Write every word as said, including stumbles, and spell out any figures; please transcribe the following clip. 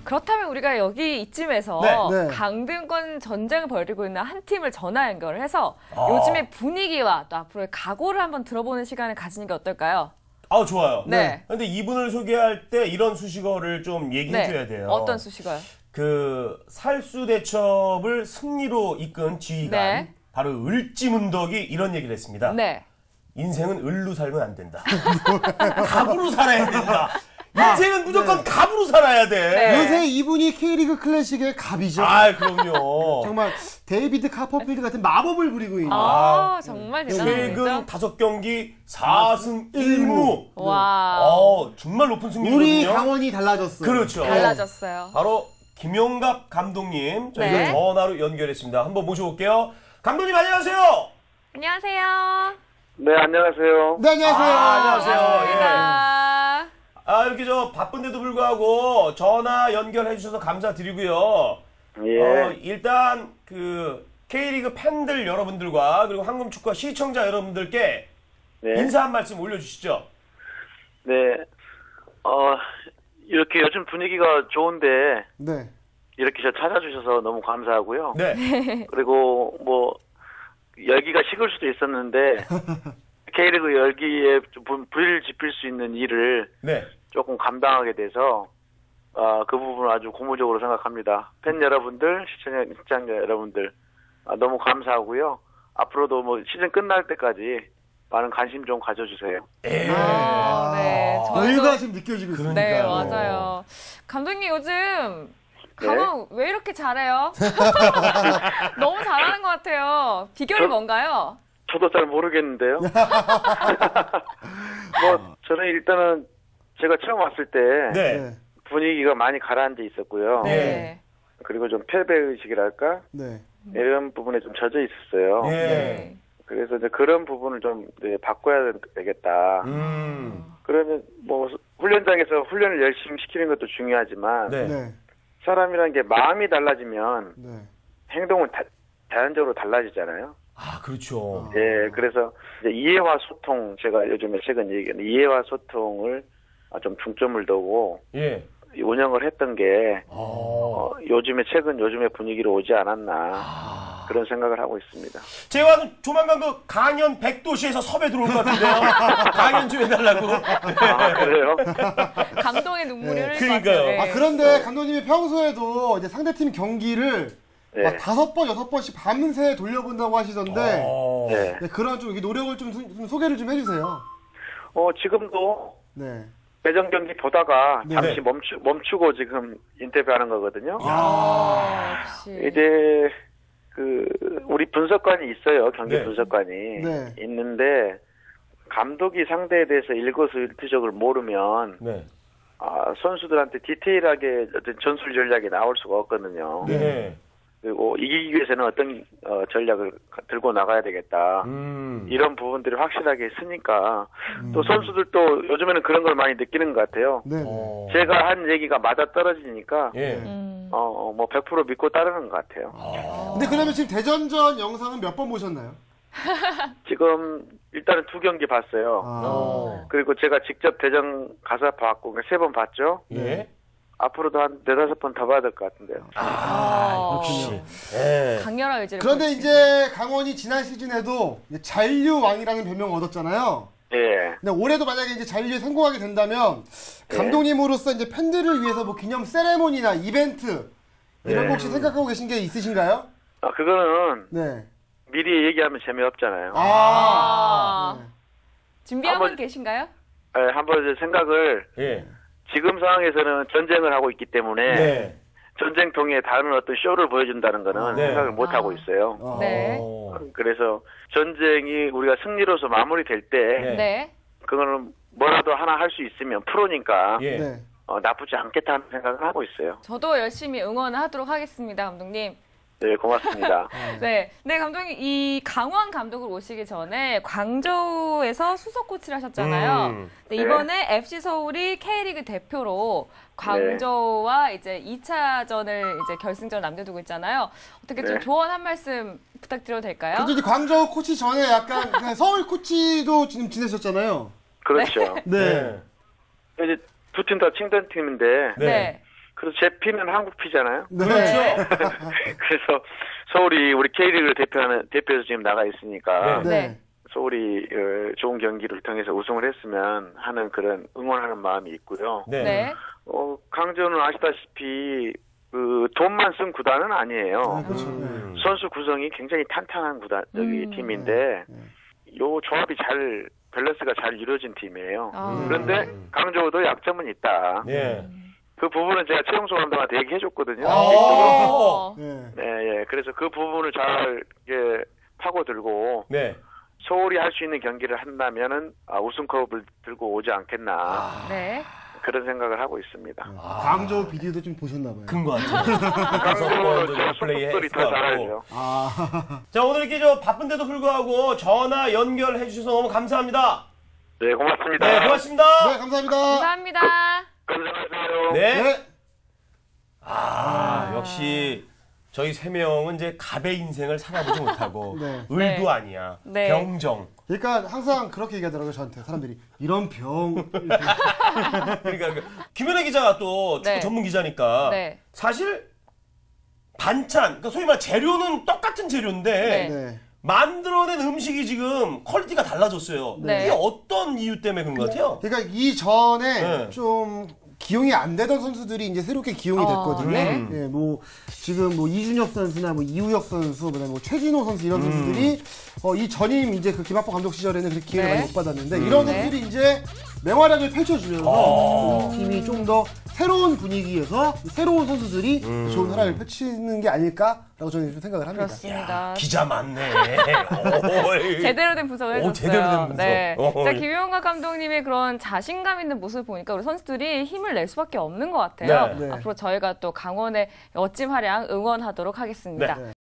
그렇다면 우리가 여기 이쯤에서 네, 네. 강등권 전쟁을 벌이고 있는 한 팀을 전화 연결을 해서 아. 요즘의 분위기와 또 앞으로의 각오를 한번 들어보는 시간을 가지는 게 어떨까요? 아, 좋아요. 네. 근데 이분을 소개할 때 이런 수식어를 좀 얘기해 줘야 돼요. 어떤 수식어요? 그 살수대첩을 승리로 이끈 지휘관 네. 바로 을지문덕이 이런 얘기를 했습니다. 네. 인생은 을로 살면 안 된다. 갑으로 살아야 된다. 인생은 무조건 네. 갑으로 살아야 돼. 네. 요새 이분이 K리그 클래식의 갑이죠. 아, 그럼요. 정말 데이비드 카퍼필드 같은 마법을 부리고 있는. 아, 아, 정말 대단한 최근 분이죠. 다섯 경기 사 승 일 무. 와, 어, 정말 높은 승률이거든요. 우리 강원이 달라졌어요. 그렇죠. 달라졌어요. 바로 김용갑 감독님 저희가 네. 전화로 연결했습니다. 한번 모셔볼게요. 감독님 안녕하세요. 안녕하세요. 네, 안녕하세요. 네, 안녕하세요. 아, 안녕하세요. 반갑습니다. 아, 이렇게 저 바쁜데도 불구하고 전화 연결해 주셔서 감사드리고요. 예. 어, 일단 그 K리그 팬들 여러분들과 그리고 한금축구 시청자 여러분들께 네. 인사 한 말씀 올려주시죠. 네. 어, 이렇게 요즘 분위기가 좋은데, 네. 이렇게 저 찾아주셔서 너무 감사하고요. 네. 그리고 뭐, 열기가 식을 수도 있었는데, K리그 열기에 좀 불- 불을 지필 수 있는 일을 네. 조금 감당하게 돼서, 아, 그 부분을 아주 고무적으로 생각합니다. 팬 여러분들, 시청자, 시청자 여러분들, 아, 너무 감사하고요. 앞으로도 뭐 시즌 끝날 때까지 많은 관심 좀 가져주세요. 예. 아, 네. 저희도- 여유가 지금 느껴지고 있어요. 네, 그러니까요. 맞아요. 감독님 요즘 강원 왜 이렇게 잘해요? 너무 잘하는 것 같아요. 비결이 저- 뭔가요? 저도 잘 모르겠는데요. 뭐 저는 일단은 제가 처음 왔을 때 네. 네. 분위기가 많이 가라앉아 있었고요. 네. 그리고 좀 패배 의식이랄까 네. 이런 부분에 좀 젖어 있었어요. 예. 네. 그래서 이제 그런 부분을 좀 네, 바꿔야 되겠다. 음. 그러면 뭐 훈련장에서 훈련을 열심히 시키는 것도 중요하지만 네. 네. 사람이라는 게 마음이 달라지면 네. 행동은 다- 자연적으로 달라지잖아요. 아, 그렇죠. 예, 그래서 이제 이해와 소통, 제가 요즘에 최근 얘기하는 이해와 소통을 아, 좀 중점을 두고 예. 운영을 했던 게 어. 어, 요즘에 최근 요즘의 분위기로 오지 않았나 아. 그런 생각을 하고 있습니다. 제가 조만간 그 강연 백도시에서 섭외 들어올 것 같은데요. 강연 좀 해달라고. 아, 그래요? 감동의 눈물이 네. 흘릴 것 그러니까요. 같아요. 네. 아, 그런데 감독님이 평소에도 이제 상대팀 경기를 네. 막 다섯 번, 여섯 번씩 밤새 돌려본다고 하시던데 어. 네. 네, 그런 좀 이렇게 노력을 좀, 소- 좀 소개를 좀 해주세요. 어, 지금도 네. 매정 경기 보다가 네. 잠시 멈추, 멈추고 지금 인터뷰하는 거거든요. 아, 역시. 이제 그 우리 분석관이 있어요. 경기 네. 분석관이 네. 있는데 감독이 상대에 대해서 일거수일투족을 모르면 네. 아, 선수들한테 디테일하게 어떤 전술 전략이 나올 수가 없거든요. 네. 그리고 이기기 위해서는 어떤 어, 전략을 가- 들고 나가야 되겠다. 음. 이런 부분들이 확실하게 있으니까 또 선수들도 요즘에는 그런 걸 많이 느끼는 것 같아요. 네. 네. 어. 제가 한 얘기가 맞아 떨어지니까 예. 음. 어, 뭐 백 퍼센트 믿고 따르는 것 같아요. 근데 그러면 지금 대전전 영상은 몇 번 보셨나요? 지금 일단은 두 경기 봤어요. 아. 어. 그리고 제가 직접 대전 가서 봤고 세 번 봤죠. 예. 앞으로도 한 네다섯 번 더 봐야 될 것 같은데요. 아, 그렇군요. 예. 강렬한 의지를. 그런데 보여주시네요. 이제 강원이 지난 시즌에도 이제 잔류왕이라는 별명을 얻었잖아요. 예. 근데 올해도 만약에 이제 잔류에 성공하게 된다면 네. 감독님으로서 이제 팬들을 위해서 뭐 기념 세레모니나 이벤트 이런 네. 거 혹시 생각하고 계신 게 있으신가요? 아, 그거는 네. 미리 얘기하면 재미없잖아요. 아. 아. 네. 준비하고 한번- 계신가요? 예, 한번 이제 생각을 예. 지금 상황에서는 전쟁을 하고 있기 때문에 네. 전쟁통에 다른 어떤 쇼를 보여준다는 거는 네. 생각을 못 하고 있어요. 어. 네. 어. 그래서 전쟁이 우리가 승리로서 마무리될 때 네. 네. 그거는 뭐라도 하나 할 수 있으면 프로니까 예. 네. 어, 나쁘지 않겠다는 생각을 하고 있어요. 저도 열심히 응원하도록 하겠습니다, 감독님. 네, 고맙습니다. 네, 네 감독님 이 강원 감독을 오시기 전에 광저우에서 수석 코치를 하셨잖아요. 음. 근데 네. 이번에 에프씨 서울이 K리그 대표로 광저우와 이제 이 차전을 이제 결승전 남겨두고 있잖아요. 어떻게 좀 네. 조언 한 말씀 부탁드려도 될까요? 근데 이제 광저우 코치 전에 약간 그냥 서울 코치도 지금 지내셨잖아요. 그렇죠. 네. 이제 두 팀 다 칭찬팀인데 네. 네. 그래서 제 피는 한국 피잖아요. 네. 그렇죠. 그래서 서울이 우리 K리그를 대표하는 대표해서 지금 나가 있으니까 네. 네. 서울이 어, 좋은 경기를 통해서 우승을 했으면 하는 그런 응원하는 마음이 있고요. 네. 네. 어, 강조는 아시다시피 그 돈만 쓴 구단은 아니에요. 아, 그렇죠. 음. 선수 구성이 굉장히 탄탄한 구단 저기 음. 팀인데 요 조합이 잘 밸런스가 잘 이루어진 팀이에요. 아. 그런데 강조도 약점은 있다. 예. 그 부분은 제가 최용수 감독한테 얘기해줬거든요. 아. 네. 네, 예. 그래서 그 부분을 잘 이렇게 파고들고 네. 서울이 할 수 있는 경기를 한다면은 아, 우승컵을 들고 오지 않겠나 네. 그런 생각을 하고 있습니다. 광저우 비디오도 좀 보셨나 봐요. 그런 것 같아요. 강조는 그래서 플레이 속속들이 더 잘하죠. 아, 자, 오늘 이렇게 저 바쁜데도 불구하고 전화 연결해 주셔서 너무 감사합니다. 네, 고맙습니다. 네, 고맙습니다. 네, 감사합니다. 감사합니다. 건강하세요. 네. 네. 아, 역시 저희 세 명은 이제 갑의 인생을 살아보지 못하고 네. 을도 네. 아니야. 네. 병정. 그러니까 항상 그렇게 얘기하더라고요, 저한테. 사람들이. 이런 병. 그러니까 그 김연아 기자가 또 축구 네. 전문 기자니까 네. 사실 반찬, 그러니까 소위 말 재료는 똑같은 재료인데 네. 네. 만들어낸 음식이 지금 퀄리티가 달라졌어요. 네. 이게 어떤 이유 때문에 그런 것 같아요? 그러니까 이전에 네. 좀 기용이 안 되던 선수들이 이제 새롭게 기용이 아, 됐거든요. 네. 예, 뭐 지금 뭐 이준혁 선수나 뭐 이우혁 선수, 그다음에 뭐 최진호 선수 이런 선수들이 어, 이 전임 이제 그 김학범 감독 시절에는 그렇게 기회를 네. 많이 못 받았는데 이런 네. 선수들이 이제 맹활약을 펼쳐주면서 이 팀이 좀 더 새로운 분위기에서 새로운 선수들이 좋은 활약을 펼치는 게 아닐까라고 저는 좀 생각을 합니다. 그렇습니다. 기자 많네. 오이. 제대로 된 분석을 오, 해줬어요. 제대로 된 분석. 네. 어이. 자, 김용각 감독님의 그런 자신감 있는 모습을 보니까 우리 선수들이 힘을 낼 수밖에 없는 것 같아요. 네. 네. 앞으로 저희가 또 강원의 멋진 활약 응원하도록 하겠습니다. 네.